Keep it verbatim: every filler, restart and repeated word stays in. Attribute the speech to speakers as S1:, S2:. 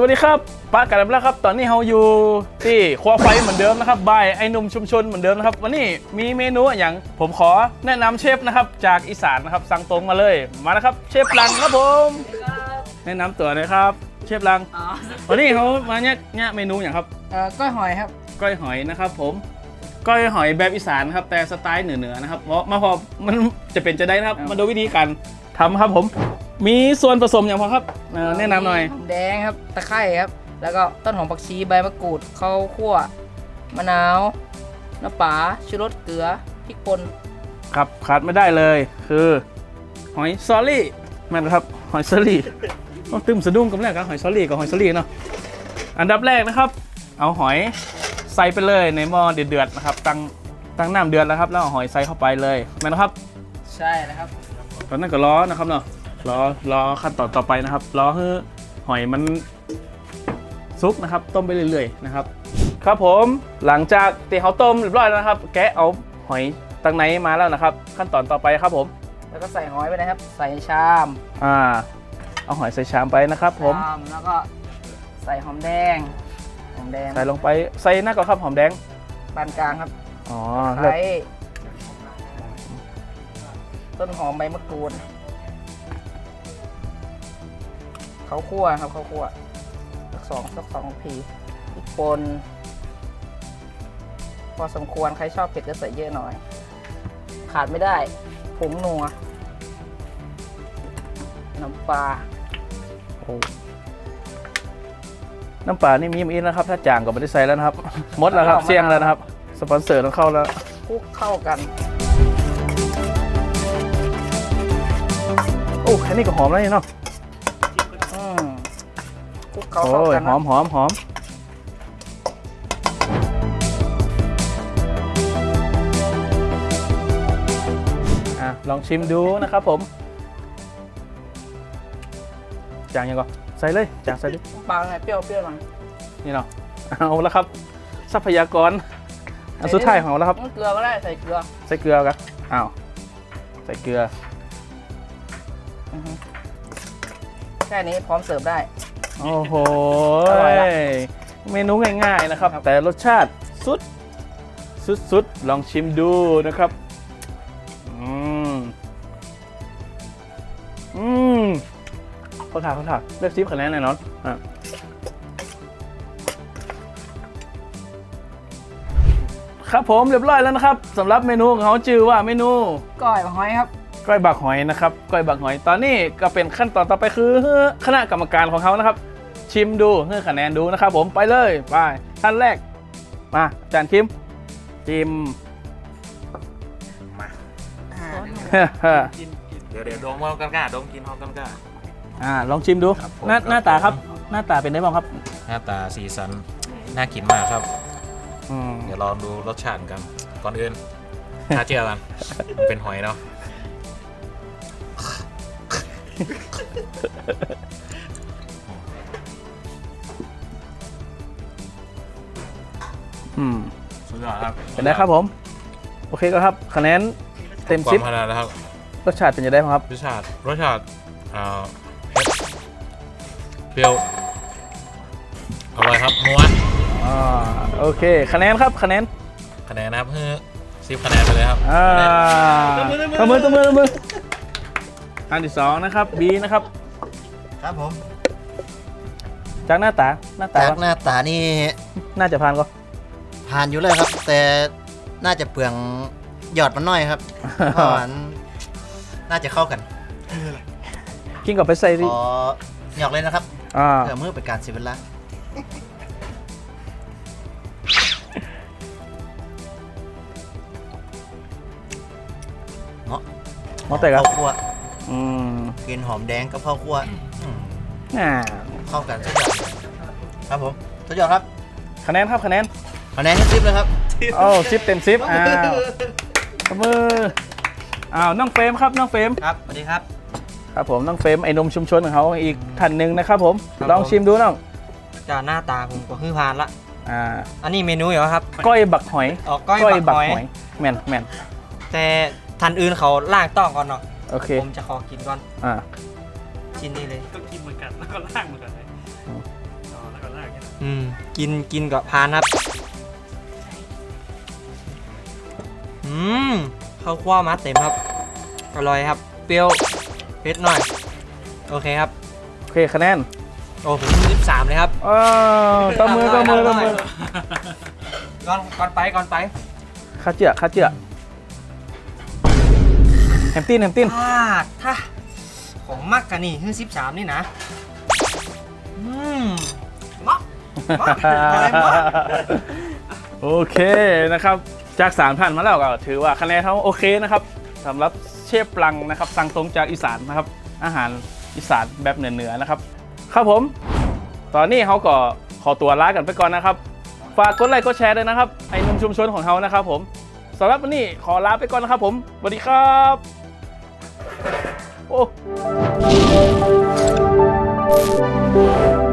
S1: วัสดีครับป้ากันแล้วครับตอนนี้เราอยู่ที่ครัวไฟเหมือนเดิมนะครับบายไอ้หนุ่มชุมชนเหมือนเดิมนะครับวันนี้มีเมนูอย่างผมขอแนะนำเชฟนะครับจากอีสานนะครับสั่งตรงมาเลยมานะครับเชฟลังครับผมแนะนำตัวหน่อยครับเชฟลังวันนี้เขามาเนี่ยเนี่ยเมนูอย่างครับ
S2: เอ่อก้อยหอยครับ
S1: ก้อยหอยนะครับผมก้อยหอยแบบอีสานครับแต่สไตล์เหนือๆนะครับเพราะมาพอมันจะเป็นจะได้นะครับมาดูวิธีการทำครับผมมีส่วนผสมอย่างพอครับแนะนำหน่อย
S2: หอมแดงครับตะไคร้ครับแล้วก็ต้นหอมผักชีใบมะกรูดข้าวคั่วมะนาวน้ำปลาชูรสเกลือพริกป่น
S1: ครับขาดไม่ได้เลยคือหอยซอรี่แม่นครับหอยซอรี่ต้องตึมสะดุ้งกันแรกครับหอยซอรี่กับหอยซอรี่เนาะอันดับแรกนะครับเอาหอยใส่ไปเลยในหม้อเดือดๆนะครับตั้งตั้งน้ำเดือดแล้วครับแล้วเอาหอยใส่เข้าไปเลยแม่นครับ
S2: ใช่นะครับ
S1: ตอนนั้นก็ล้อนะครับเนาะล้อล้อขั้นตอนต่อไปนะครับล้อให้หอยมันซุกนะครับต้มไปเรื่อยๆนะครับครับผมหลังจากตีเขาต้มเรียบร้อยแล้วนะครับแกะเอาหอยตั้งไหนมาแล้วนะครับขั้นตอนต่อไปครับผม
S2: แล้วก็ใส่หอยไปนะครับใส่ชาม
S1: อ่าเอาหอยใส่ชามไปนะครับผม
S2: ชามแล้วก็ใส่หอมแดงหอมแดง
S1: ใส่ลงไปใส่หน้าก่อนครับหอมแดง
S2: ปานกลางครับ
S1: อ๋อ
S2: ใส่ต้นหอมใบมะกรูดข้าวคั่วครับข้าวคั่วสักสองสักสองพีพริกป่นพอสมควรใครชอบเผ็ดก็ใส่เยอะหน่อยขาดไม่ได้ผงนัวน้ำปลา
S1: โอ้น้ำปลานี่มีมีนะครับถ้าจางก็ไม่ได้ใส่แล้วนะครับหมดแล้วครับเสี่ยงแล้วนะครับสปอนเซอร์ต้องเข้าแล้ว
S2: คลุกเข้ากัน
S1: โอ้แค่นี้ก็หอมแล้วนี่เนาะ
S2: คลุกเข้ากัน
S1: หอมหอมหอมอ่ะลองชิมดูนะครับผมจางยังก่อนใส่เลยจางใส่ดิ
S2: ปลาไงเปรี้ยวเปรี้ยวหน่อย
S1: นี่เนาะเอาแล้วครับทรัพยากรอันสุดท้ายของเราแล้วครับ
S2: เกลือก็ได้ใส่เกลือ
S1: ใส่เกลือกันอ้าวใส่เกลือ
S2: แค่นี้พร้อมเสิร์ฟได้
S1: โอ้โหเมนูง่ายๆนะครับแต่รสชาติสุดสุดๆลองชิมดูนะครับอืมอืมเขาถามเขาถามเลือกซิปคะแนนหน่อยเนาะอ่ะครับผมเรียบร้อยแล้วนะครับสำหรับเมนูของเขาชื่อว่าเมนู
S2: ก้อยบักหอยครับ
S1: ก้อยบักหอยนะครับก้อยบักหอยตอนนี้ก็เป็นขั้นตอนต่อไปคือคณะกรรมการของเขานะครับชิมดูให้คะแนนดูนะครับผมไปเลยไปท่านแรกมาจานคิมชิม
S3: มาเดี๋ยวเดี๋ยวดมเอากันก้าดมกินเอากันก้า
S1: อ่าลองชิมดูหน้าหน้าตาครับหน้าตาเป็นไงบ้างครับ
S3: หน้าตาสีสันน่ากินมากครับเดี๋ยวลองดูรสชาติกันก่อนอื่นถ้าเชื่อกันมันเป็นหอยเนาะ
S1: อืม
S3: สุดยอดครับ
S1: เป็นได้ครับผมโอเคก็ครับคะแนนเต็มสิบ
S3: คะแนนนะครับ
S1: รสชาติเป็นยังไงครับ
S3: รสชาติรสชาติอ่าเปรี้ยวอร่อยครับนัว
S1: อ่าโอเคคะแนนครับคะแนน
S3: คะแนนนะครับเฮ้สิบคะแนนไปเลยครับ
S1: อ่าตัวมือตัวมือตัวมืออันที่สองนะครับบีนะครับ
S4: ครับผม
S1: จากหน้าตาหน้าตา
S4: จากหน้าตานี่
S1: น่าจะผ่านก็
S4: ผ่านอยู่เลยครับแต่น่าจะเปลืองหยอดมันน้อยครับเพราะมันน่าจะเข้ากัน
S1: กินกับไปใส่ดิ
S4: ขอหยอกเลยนะครับเพื่อเมื่อเป็นการเสียเวลาเนาะ
S1: เนาะแต่กับ
S4: ข้าวคั่วกินหอมแดงกับข้าวคั่วเข้ากันสุดยอดครับผมสุดยอดครับ
S1: คะแนนครับคะแนน
S4: คะแนนให้สิบเลยครับ
S1: โอ้สิบเต็มสิบอ้าวมืออ้าวน้องเฟรมครับน้องเฟรม
S4: ครับสวัสดีครับ
S1: ครับผมน้องเฟรมไอ้นมชุมชนของเขาอีกท่านหนึ่งนะครับผมลองชิมดูน้อง
S5: จากหน้าตาผมก็คือพานละ
S1: อ่า
S5: อันนี้เมนูเหรอครับ
S1: ก้อยบักหอย
S5: อ๋อก้อยบักหอย
S1: แม่นแม่น
S5: แต่ท่านอื่นเขาล่างต้องก่อนเนาะ
S1: โอเค
S5: ผมจะขอกินก่อน
S1: อ่า
S5: ชิ้นนี้เลย
S3: ต้องกินเหมือนกันแล้วก็ล่างเหมือนกันเลย
S5: อืมกินกินกับพานครับอืมข้าวคั่วมาเต็มครับอร่อยครับเปรี้ยวเผ็ดหน่อยโอเคครับ
S1: โอเคคะแนน
S5: โอ้ผมสิบสามเลยครับ
S1: อ้าวตบมือตบมือตบมือ
S5: ก่อนก่อนไปก่อนไป
S1: ข้าเจือข้าเจือแฮมตินแฮมติน
S5: ถ้าถ้าของมักกันนี่คือสิบสามนี่นะอืมเหมาะเหมาะอะไรเหมาะ
S1: โอเคนะครับจากสามท่านมาแล้วก็ถือว่าคะแนนเขาโอเคนะครับสำหรับเชฟปลังนะครับสั่งตรงจากอีสานนะครับอาหารอีสานแบบเหนือๆนะครับครับผมตอนนี้เขาก็ขอตัวลากันไปก่อนนะครับฝากกดไลค์กดแชร์ด้วยนะครับไอ้หนุ่มชุมชนของเขานะครับผมสำหรับวันนี้ขอลาไปก่อนนะครับผมสวัสดีครับโอ้